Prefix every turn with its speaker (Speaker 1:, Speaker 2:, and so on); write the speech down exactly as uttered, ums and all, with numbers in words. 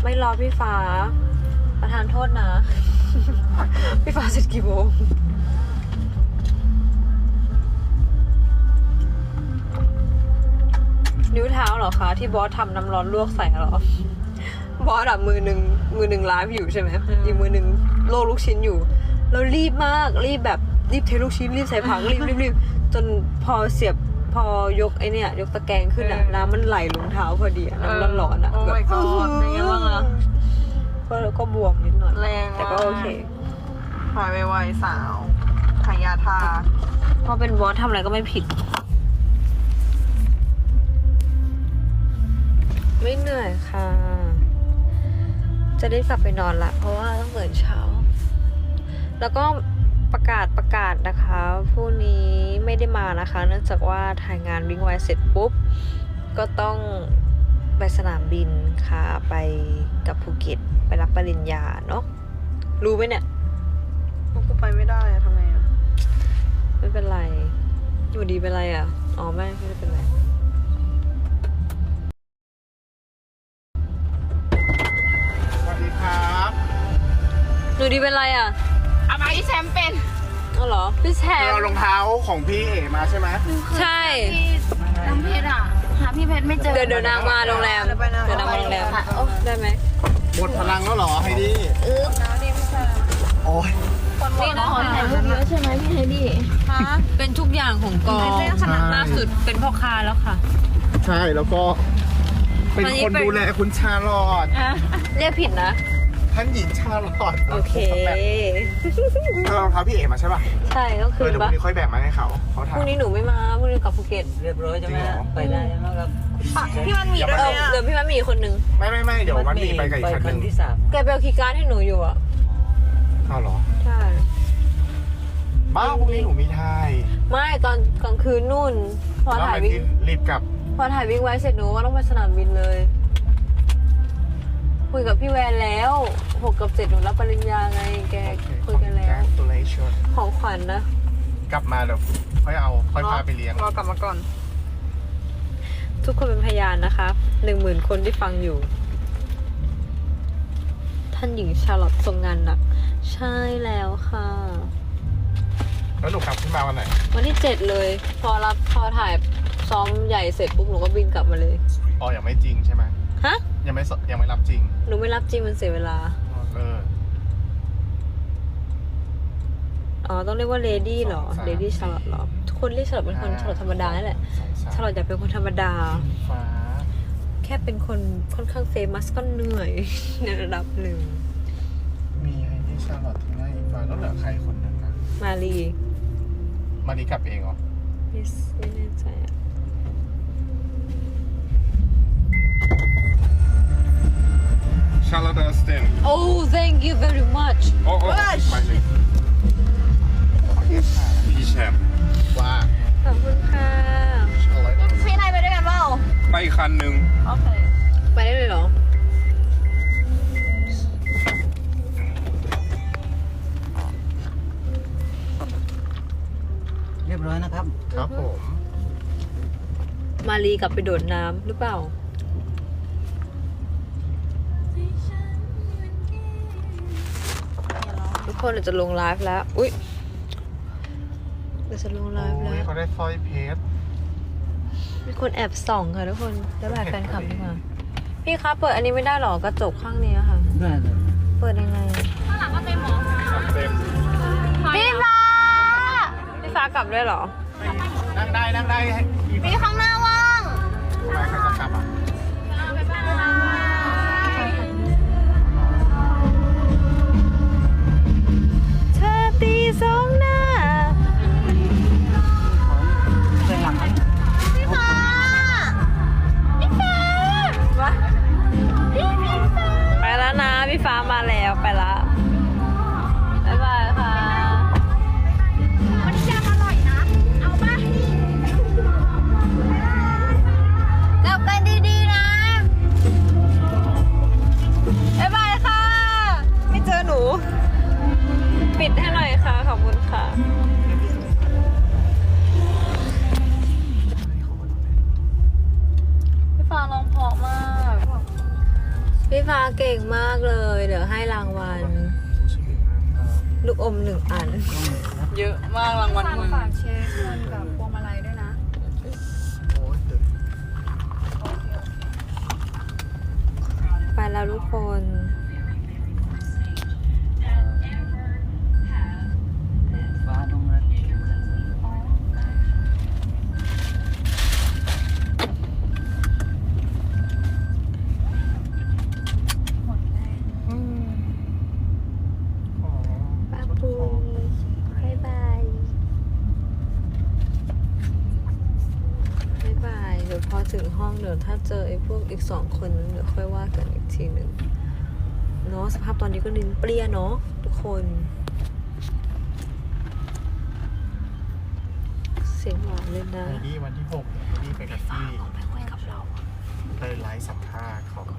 Speaker 1: ไม่รอพี่ฟ้าประทานโทษนะ พี่ฟ้าเสร็จกี่โมงนิ้วเท้าเหรอคะที่บอสทำน้ำร้อนลวกใส่เหรอบอสอะมือหนึ่งมือหนึ่งไลฟ์อยู่ใช่ไหมอีกมือหนึ่งโลกลูกชิ้นอยู่แล้วรีบมากรีบแบบรีบเทลูกชิ้นรีบใส่ผักรีบรีบรีบจนพอเสียบพอยกไอเนี่ยยกตะแกรงขึ้นอะน้ำมันไหลลงเท้าพอดีอะน้ำร้อนๆอะ
Speaker 2: โอ้
Speaker 1: แบบ
Speaker 2: my god เป็นไงบ้างอะ
Speaker 1: ก็ก็บวมนิดหน่อย
Speaker 2: แรงมาก
Speaker 1: แต่ก็โอเค
Speaker 2: หายไวๆสาวทายาทา
Speaker 1: เพราะเป็นบอสทำอะไรก็ไม่ผิด ไม่เหนื่อยค่ะ จะได้กลับไปนอนละเพราะว่าต้องตื่นเช้า แล้วก็ประกาศประกาศนะคะพรุ่งนี้ไม่ได้มานะคะ เนื่องจากว่าถ่ายงานวิ่งไวเสร็จปุ๊บ ก็ต้องไปสนามบินค่ะไปกับภูเก็ตไปรับปริญญาเนาะรู้ไหมเนี่ย
Speaker 2: พวกกูไปไม่ได้อะทำไงอะ
Speaker 1: ไม่เป็นไร อยู่ดีเป็นไรอ่ะ อ๋อไม่ไม่ได้เป็นไร
Speaker 3: สวัสดีครับ
Speaker 1: หนูดีเป็นไรอ่ะ
Speaker 2: เอามาที่แชมป์เป็น
Speaker 1: อ๋อเหรอ พี่แชม
Speaker 3: เรา
Speaker 1: ป์
Speaker 3: รองเท้าของพี่เอ๋มาใช่ไหม
Speaker 1: ใช่
Speaker 4: น้ำเพชรอ่ะ หาพี่เพชรไม่เจอ
Speaker 1: เดี๋ยวเดี๋ยวนางมาโรงแรม เดี๋ยวนางมาโรงแรมได้ไหม
Speaker 3: หมดพลังแล้วเหรอไฮดี้
Speaker 4: อึ๊บ
Speaker 3: โอ้ย
Speaker 1: นี่นะ
Speaker 4: ขอถ่ายรูปเยอะใช่ไหมพี่ไฮดี้
Speaker 1: เป็นทุกอย่างของกองล่าสุดเป็นพ่อค้าแล้วค่ะ
Speaker 3: ใช่แล้วก็ เป็น
Speaker 1: วันนี้
Speaker 3: คน
Speaker 1: เป็น
Speaker 3: ดูแลคุณชาลอต
Speaker 1: เรียกผิดนะ
Speaker 3: ท่านหญิงชาลอต
Speaker 1: โอเค
Speaker 3: เรารองเท้าพี่เอ๋มาใช่ป่ะ
Speaker 1: ใช่ต้อง
Speaker 3: เอ
Speaker 1: คื
Speaker 3: อน เดี๋ยวพ
Speaker 1: ปะ
Speaker 3: รุ่งนี้ค่อยแบ่งมาให้เขาเขา
Speaker 1: พ
Speaker 3: ถาม
Speaker 1: รุ่งนี้หนูไม่มาพรุ่งนี้กลับภูเก็ต
Speaker 5: เรียบร้อยใช่ไหม
Speaker 3: จริงเหรอ
Speaker 5: ไปได้แล้วครับ
Speaker 2: พี่มันมี
Speaker 3: อย่า
Speaker 2: ด้
Speaker 3: มา
Speaker 2: วย
Speaker 1: เออ
Speaker 2: อะ
Speaker 1: เดี๋ยวพี่มันมีอีกคนนึง
Speaker 3: ไม่ไม่ไม่เดี๋ยววันนี้ไปกับอีกคันห
Speaker 5: คั
Speaker 3: นึ่
Speaker 5: น
Speaker 3: ง
Speaker 5: ที่สาม
Speaker 1: แกไปเอาคีย์การ์ดให้หนูอยู่อ่ะ
Speaker 3: อ้าวเหรอ
Speaker 1: ใช่
Speaker 3: บ้าพรุ่งนี้หนูมีทาย
Speaker 1: ไม่ตอนกลางคืนนู่น พอ
Speaker 3: แล้ว
Speaker 1: ถ่าย
Speaker 3: ไป
Speaker 1: วิ่ง
Speaker 3: ที่รีบกลับ
Speaker 1: พอถ่ายวิ่งไว้เสร็จหนูว่าต้องไปสนามบินเลย คุยกับพี่แวนแล้วหกกับเจ็ดหนูรับปริญญาไงแกคุยกันแล้ว
Speaker 3: Congratulations
Speaker 1: ของขวัญนะ
Speaker 3: กลับมาเดี๋ยวค่อยเอาค่อยพาไปเลี้ยง
Speaker 2: รอกลับมาก่อน
Speaker 1: ทุกคนเป็นพยานนะคะหนึ่งหมื่นคนที่ฟังอยู่ ท่านหญิงชาร์ลอตทรงงานหนัก ใช่แล้วค่ะ
Speaker 3: แล้วหนูกลับขึ้นมาวันไหน
Speaker 1: วันที่เจ็ดเลย พอรับพอถ่ายซ้อมใหญ่เสร็จปุ๊บหนูก็บินกลับมาเลย
Speaker 3: อ๋อยังไม่จริงใช่ไหม
Speaker 1: ฮะ
Speaker 3: ยังไม่สยังไม่รับจริง
Speaker 1: หนูไม่รับจริงมันเสียเวลา
Speaker 3: เออ
Speaker 1: อ๋อ ต้องเรียกว่าเลดี้เหรอ
Speaker 3: สองสาม
Speaker 1: เลดี้ชาร์ลอตเหรอ ทุกคนเรียกชาร์ลอตเป็นคนชาร์ลอตธรรมดานี่แหละ
Speaker 3: สองสาม
Speaker 1: ชาร์ลอตอยากเป็นคนธรรมดา
Speaker 3: ฟ้า
Speaker 1: แค่เป็นคนค่อนข้างเฟมัสก็เหนื่อย ในระดับหนึ่ง
Speaker 3: มีไอ้ที่ชาร์ลอตที่ได้อีกฟ้าแล้วเหลือใครคนหนึ่งนะ
Speaker 1: มารี
Speaker 3: มาดีกลับเองเหรอ
Speaker 1: ไม่ไม่แน่ใจอะ
Speaker 3: ชาร์ลอตสเตน
Speaker 1: Oh thank you very much
Speaker 3: โอ้โอ้ไปเลยพี่แชมป์ว่า
Speaker 1: ขอบคุณค่ะ
Speaker 3: ชาร์ลอต
Speaker 4: พี่นายไปด้วยกันเปล่า
Speaker 3: ไปคันหนึ่ง
Speaker 4: โอเค
Speaker 1: ไปได้เลยเหรอ
Speaker 5: เรียบร้อยนะครับ
Speaker 3: ครับผม
Speaker 1: มารีกลับไปโดดน้ำหรือเปล่า ทุกคนเราจะลงไลฟ์แล้ว อุ๊ยเราจะลงไลฟ์
Speaker 3: โอ้
Speaker 1: แล้
Speaker 3: ยว เขาได้สร้อยเพชร
Speaker 1: มีคนแอบส่องค่ะทุกคนแล้วแบบแฟนคลับดีกว่าพี่คะเปิดอันนี้ไม่ได้หรอกระจกข้างนี้ค่ะ
Speaker 5: ได้เลย
Speaker 1: เปิดยังไง
Speaker 3: เต็ม
Speaker 1: พี่ฟ้า พี่ฟ้ากลับด้วยเหรอ
Speaker 3: นั่งได้นั่งได้ให้
Speaker 4: มีข้างหน้าว่าง
Speaker 3: ทำไมใครจะกลับอ่ะ
Speaker 1: เธอตีสองหน้า
Speaker 5: เส้นหลัง
Speaker 4: พี่ฟ้า พี่ฟ้า
Speaker 1: มา
Speaker 4: พี่พี่ฟ้า
Speaker 1: ไปแล้วนะ พี่ฟ้ามาแล้วไปละบ๊ายบายค่ะ
Speaker 4: วันนี้แจมอร่อยนะ เอาป่ะกลับกันดีๆนะ
Speaker 1: บ๊ายบายค่ะ ไม่เจอหนู ปิดให้หน่อยค่ะ ขอบคุณค่ะ พี่ฟ้าร้องเพราะมากพี่ฟ้าเก่งมากเลย เดี๋ยวให้รางวัล
Speaker 3: ซูชิบินะ
Speaker 1: ลูกอมหนึ่งอัน
Speaker 2: เยอะมากรางวัล
Speaker 4: ฝาก
Speaker 2: มึง
Speaker 4: ฝากเช็คเงินกับพวงมาลัยด้วยนะ
Speaker 3: โอ้ยเดี๋ยว
Speaker 1: ไปแล้วทุกคน
Speaker 5: ฟ้าต้องรัด
Speaker 3: ขอ
Speaker 1: ป้าปูบายบายบายบาย เดี๋ยวพอถึงห้องเดี๋ยวถ้าเจอไอ้พวกอีกสองคนนั้นเดี๋ยวค่อยว่ากันอีกทีหนึ่งเนาะสภาพตอนนี้ก็ลิ้นเปรี้ยเนาะทุกคน เสียงหวานเลยนะ
Speaker 3: ไอ้นี่วันที่หกไอ้นี่ไปกับที่ไปไลฟ์สัมภาษณ์เขา